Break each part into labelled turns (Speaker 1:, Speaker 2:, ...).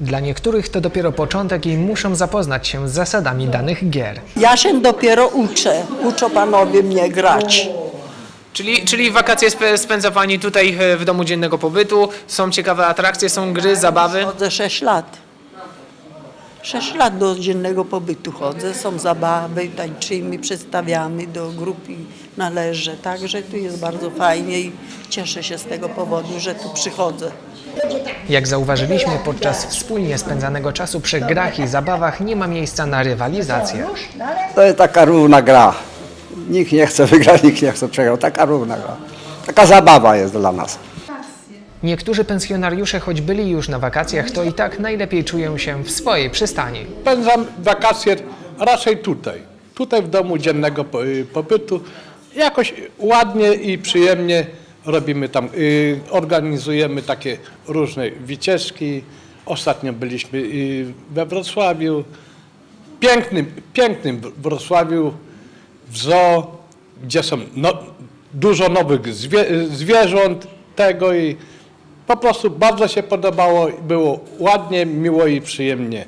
Speaker 1: Dla niektórych to dopiero początek i muszą zapoznać się z zasadami danych gier.
Speaker 2: Ja się dopiero uczę. Uczą panowie mnie grać.
Speaker 1: Czyli wakacje spędza Pani tutaj w domu dziennego pobytu, są ciekawe atrakcje, są gry, zabawy?
Speaker 2: Chodzę 6 lat. 6 lat do dziennego pobytu chodzę, są zabawy, tańczymy, przedstawiamy, do grupy należę. Także tu jest bardzo fajnie i cieszę się z tego powodu, że tu przychodzę.
Speaker 1: Jak zauważyliśmy, podczas wspólnie spędzanego czasu przy grach i zabawach nie ma miejsca na rywalizację.
Speaker 3: To jest taka równa gra. Nikt nie chce wygrać, nikt nie chce przegrać. Taka równa gra. Taka zabawa jest dla nas.
Speaker 1: Niektórzy pensjonariusze, choć byli już na wakacjach, to i tak najlepiej czują się w swojej przystani.
Speaker 4: Spędzam wakacje raczej tutaj. Tutaj w domu dziennego pobytu. Jakoś ładnie i przyjemnie robimy tam, organizujemy takie różne wycieczki. Ostatnio byliśmy we Wrocławiu, pięknym Wrocławiu, w zoo, gdzie są dużo nowych zwierząt tego i po prostu bardzo się podobało, było ładnie, miło i przyjemnie.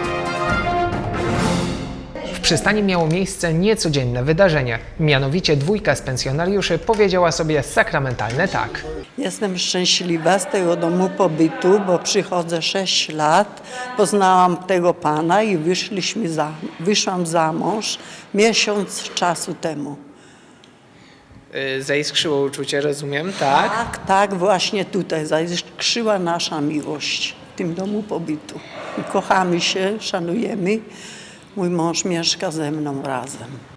Speaker 1: W przystani miało miejsce niecodzienne wydarzenie. Mianowicie dwójka z pensjonariuszy powiedziała sobie sakramentalne tak.
Speaker 2: Jestem szczęśliwa z tego domu pobytu, bo przychodzę 6 lat. Poznałam tego pana i wyszłam za mąż miesiąc czasu temu.
Speaker 1: Zaiskrzyło uczucie, rozumiem, tak?
Speaker 2: Tak, właśnie tutaj zaiskrzyła nasza miłość w tym domu pobytu. I kochamy się, szanujemy. Mój mąż mieszka ze mną razem.